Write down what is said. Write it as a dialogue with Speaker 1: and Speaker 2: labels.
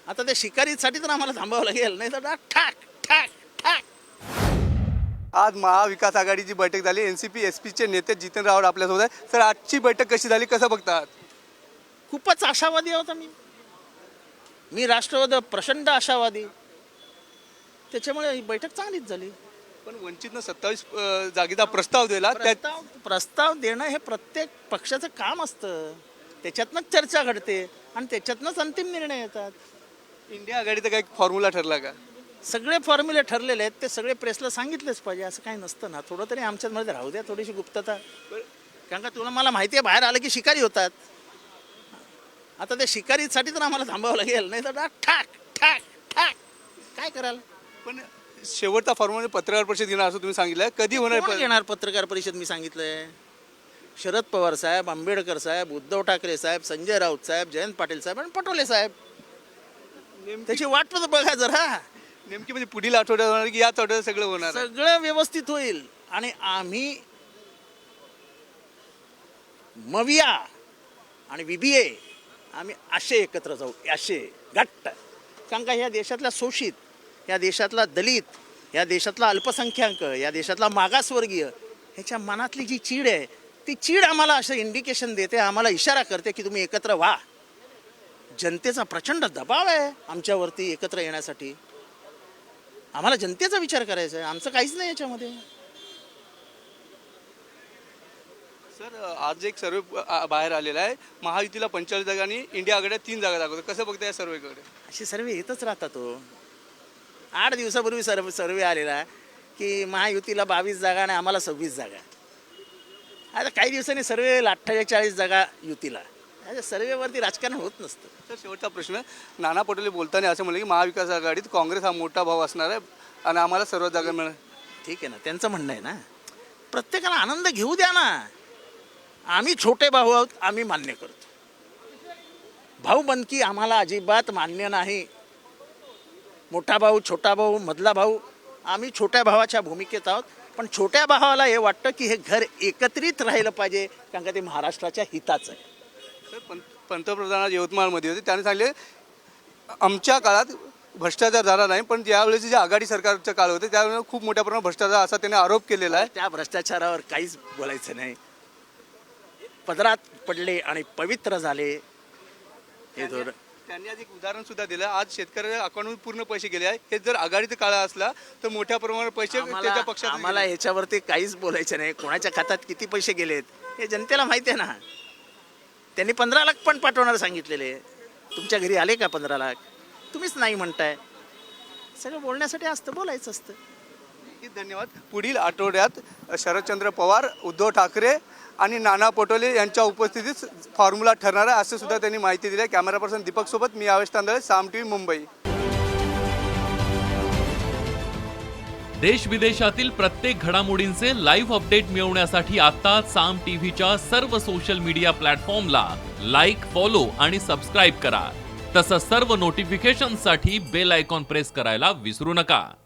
Speaker 1: आता त्या शिकारीसाठी तर आम्हाला थांबावं लागेल, नाही तर ठाक ठाक ठाक.
Speaker 2: आज महाविकास आघाडीची बैठक झाली. एनसीपी एसपीचे नेते जितेंद्र राऊत आपल्यासोबत आहे. सर, आजची बैठक कशी झाली, कसं बघतात?
Speaker 1: खूपच आशावादी होता मी राष्ट्रवादी प्रचंड आशावादी, त्याच्यामुळे ही बैठक चांगलीच झाली.
Speaker 2: पण वंचितनं 27 जागेचा प्रस्ताव दिला. त्यात
Speaker 1: प्रस्ताव देणं हे प्रत्येक पक्षाचं काम असतं, त्याच्यातनंच चर्चा घडते आणि त्याच्यातनंच अंतिम निर्णय येतात.
Speaker 2: इंडिया आघाडीचा काही फॉर्म्युला ठरला का?
Speaker 1: सगळे फॉर्म्युले ठरलेले आहेत, ते सगळे प्रेसला सांगितलेच पाहिजे, असं काही नसतं ना. थोडं तरी आमच्यामध्ये राहू द्या, थोडीशी गुप्तता. कारण का तुला मला माहिती आहे, बाहेर आलं की शिकारी होतात. आता त्या शिकारीसाठी तर आम्हाला थांबावं लागेल, नाही तर ठाक ठाक ठाक. काय कराल?
Speaker 2: पण शेवटचा फॉर्म्युला पत्रकार परिषद घेणार असं तुम्ही सांगितलं. कधी होणार?
Speaker 1: कोण घेणार पत्रकार परिषद? मी सांगितलंय, शरद पवार साहेब, आंबेडकर साहेब, उद्धव ठाकरे साहेब, संजय राऊत साहेब, जयंत पाटील साहेब आणि पटोले साहेब. त्याची वाट तर बघा जरा.
Speaker 2: नेमकी म्हणजे पुढील आठवड्यात होणार की याच आठवड्यात सगळं होणार?
Speaker 1: सगळं व्यवस्थित होईल आणि आम्ही मविया आणि बीबीए आम्ही असे एकत्र जाऊ, असे घट्ट. कारण का ह्या देशातला शोषित, या देशातला दलित, या देशातला अल्पसंख्याक, या देशातला मागासवर्गीय, ह्याच्या मनातली जी चीड आहे, ती चीड आम्हाला असं इंडिकेशन देते, आम्हाला इशारा करते की तुम्ही एकत्र व्हा. जनतेचा प्रचंड दबाव आहे आमच्यावरती एकत्र येण्यासाठी. आम्हाला जनतेचा विचार करायचा आहे, आमचं काहीच नाही याच्यामध्ये.
Speaker 2: सर, आज एक सर्वे बाहेर आलेला आहे. महायुतीला 45 जागा आणि इंडिया आघाडीला 3 जागा दाखवतो. कसं बघताय या सर्वेकडे?
Speaker 1: असे सर्वे येतच राहतात. तो 8 दिवसापूर्वी सर्वे आलेला की महायुतीला 22 जागा आणि आम्हाला 26 जागा. आता काही दिवसांनी सर्वे 48 जागा युतीला. सर्वेवरती राजकारण होत नसतं.
Speaker 2: तर शेवटचा प्रश्न, नाना पटोले बोलताना असं म्हणलं की महाविकास आघाडीत काँग्रेस हा मोठा भाव असणार आहे आणि आम्हाला सर्व जागा मिळणार.
Speaker 1: ठीक आहे ना, त्यांचं म्हणणं आहे ना, प्रत्येकाला आनंद घेऊ द्या ना. आम्ही छोटे भाऊ आहोत, आम्ही मान्य करतो. भाऊबंदकी आम्हाला अजिबात मान्य नाही. मोठा भाऊ, छोटा भाऊ, मधला भाऊ, आम्ही छोट्या भावाच्या भूमिकेत आहोत. पण छोट्या भावाला हे वाटतं की हे घर एकत्रित राहिलं पाहिजे, कारण का ते महाराष्ट्राच्या हिताचं आहे.
Speaker 2: तर पंतप्रधान आज यवतमाळमध्ये होते. त्याने सांगले आमच्या काळात भ्रष्टाचार झाला नाही, पण ज्यावेळेस जे आघाडी सरकारचं काळ होते त्यावेळेस खूप मोठ्या प्रमाणात भ्रष्टाचार असा त्याने आरोप केलेला आहे.
Speaker 1: त्या भ्रष्टाचारावर काहीच बोलायचं नाही. पदरात पडले आणि पवित्र झाले हे धोरण.
Speaker 2: त्यांनी आज एक उदाहरण सुद्धा दिलं. आज शेतकऱ्याच्या अकाउंटमध्ये पूर्ण पैसे गेले आहे. हे जर आघाडीचा काळ असला तर मोठ्या प्रमाणात पैसे त्याच्या पक्षात.
Speaker 1: आम्हाला ह्याच्यावरती काहीच बोलायचं नाही. कोणाच्या खात्यात किती पैसे गेलेत हे जनतेला माहिती आहे ना. त्यांनी 15 लाख पण पाठवणार सांगितलेले. तुमच्या घरी आले का 15 लाख? तुम्हीच नाही म्हणताय. सगळं बोलण्यासाठी असतं, बोलायचं असतं.
Speaker 2: धन्यवाद. पुढील आठवड्यात शरदचंद्र पवार, उद्धव ठाकरे आणि नाना पटोले यांच्या उपस्थितीत फॉर्म्युला ठरणार आहे असं सुद्धा त्यांनी माहिती दिली आहे. कॅमेरा पर्सन दीपक सोबत मी आवेश तांदळे, साम टीव्ही, मुंबई.
Speaker 3: देश विदेशातील प्रत्येक घडामोडींचे लाईव्ह अपडेट मिळवण्यासाठी आता साम टीव्हीच्या सर्व सोशल मीडिया प्लॅटफॉर्मला लाईक, फॉलो आणि सबस्क्राईब करा. तसंच सर्व नोटिफिकेशनसाठी बेल आयकॉन प्रेस करायला विसरू नका.